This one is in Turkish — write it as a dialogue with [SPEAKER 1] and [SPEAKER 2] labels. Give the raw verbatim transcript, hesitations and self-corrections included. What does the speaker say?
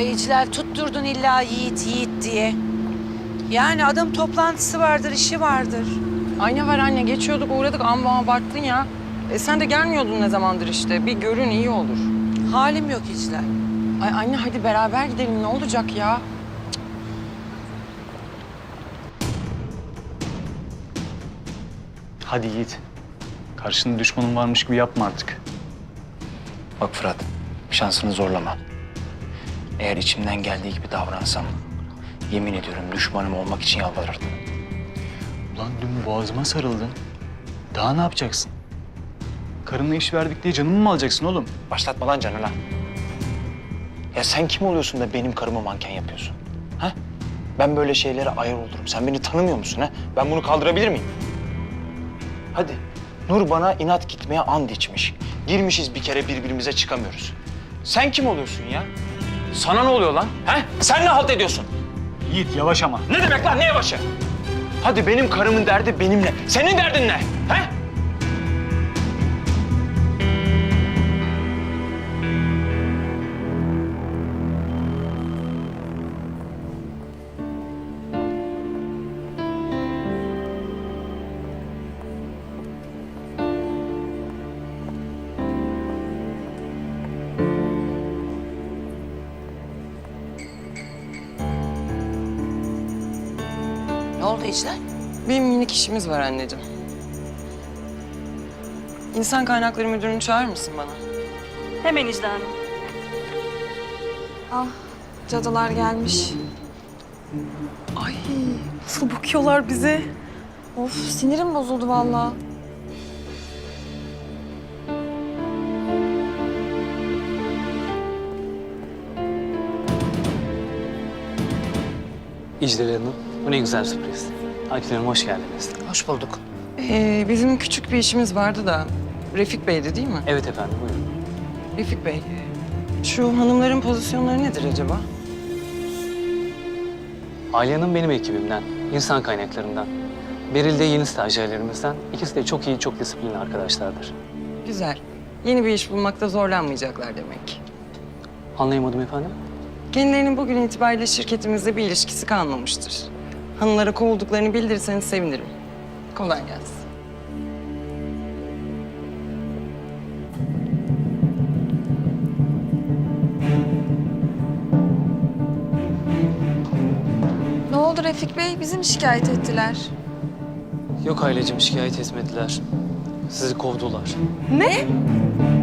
[SPEAKER 1] Ay İclal tutturdun illa Yiğit Yiğit diye. Yani adam toplantısı vardır, işi vardır.
[SPEAKER 2] Ay ne var anne, geçiyorduk uğradık amma abarttın ya. E sen de gelmiyordun ne zamandır işte. Bir görün iyi olur.
[SPEAKER 1] Halim yok İclal.
[SPEAKER 2] Ay anne hadi beraber gidelim ne olacak ya?
[SPEAKER 3] Hadi Yiğit. Karşında düşmanın varmış gibi yapma artık.
[SPEAKER 4] Bak Fırat, şansını zorlama. Eğer içimden geldiği gibi davransam, yemin ediyorum düşmanım olmak için yalvarırdım.
[SPEAKER 3] Ulan dün boğazıma sarıldın. Daha ne yapacaksın? Karınla iş verdik diye canımı mı alacaksın oğlum?
[SPEAKER 4] Başlatma lan canına. Ya sen kim oluyorsun da benim karımı manken yapıyorsun? Ha? Ben böyle şeylere ayar olurum. Sen beni tanımıyor musun ha? Ben bunu kaldırabilir miyim? Hadi. Nur bana inat gitmeye and içmiş. Girmişiz bir kere birbirimize çıkamıyoruz. Sen kim oluyorsun ya? Sana ne oluyor lan? Ha? Sen ne halt ediyorsun?
[SPEAKER 3] Yiğit yavaş ama.
[SPEAKER 4] Ne demek lan? Ne yavaşı? Hadi benim karımın derdi benimle. Senin derdin ne? Ha?
[SPEAKER 1] Ne oldu İclal?
[SPEAKER 2] Bir minik işimiz var anneciğim. İnsan Kaynakları Müdürünü çağırır mısın bana?
[SPEAKER 5] Hemen İclal Hanım.
[SPEAKER 6] Ah, cadılar gelmiş. Ay, nasıl bakıyorlar bize? Of, sinirim bozuldu vallahi.
[SPEAKER 7] İclal Hanım, bu ne güzel sürpriz. Akif Hanım hoş geldiniz.
[SPEAKER 1] Hoş bulduk.
[SPEAKER 2] Ee, bizim küçük bir işimiz vardı da Refik Bey'di değil mi?
[SPEAKER 7] Evet efendim, buyurun.
[SPEAKER 2] Refik Bey, şu hanımların pozisyonları nedir acaba?
[SPEAKER 7] Aliye Hanım benim ekibimden, insan kaynaklarından. Beril de yeni stajyerlerimizden. İkisi de çok iyi, çok disiplinli arkadaşlardır.
[SPEAKER 2] Güzel. Yeni bir iş bulmakta zorlanmayacaklar demek.
[SPEAKER 7] Anlayamadım efendim.
[SPEAKER 2] Kendilerinin bugün itibariyle şirketimizle bir ilişkisi kalmamıştır. Hanımlara kovulduklarını bildirirseniz sevinirim. Kolay gelsin.
[SPEAKER 6] Ne oldu Refik Bey? Bizi mi şikayet ettiler?
[SPEAKER 7] Yok ailecim, şikayet etmediler. Sizi kovdular.
[SPEAKER 6] Ne?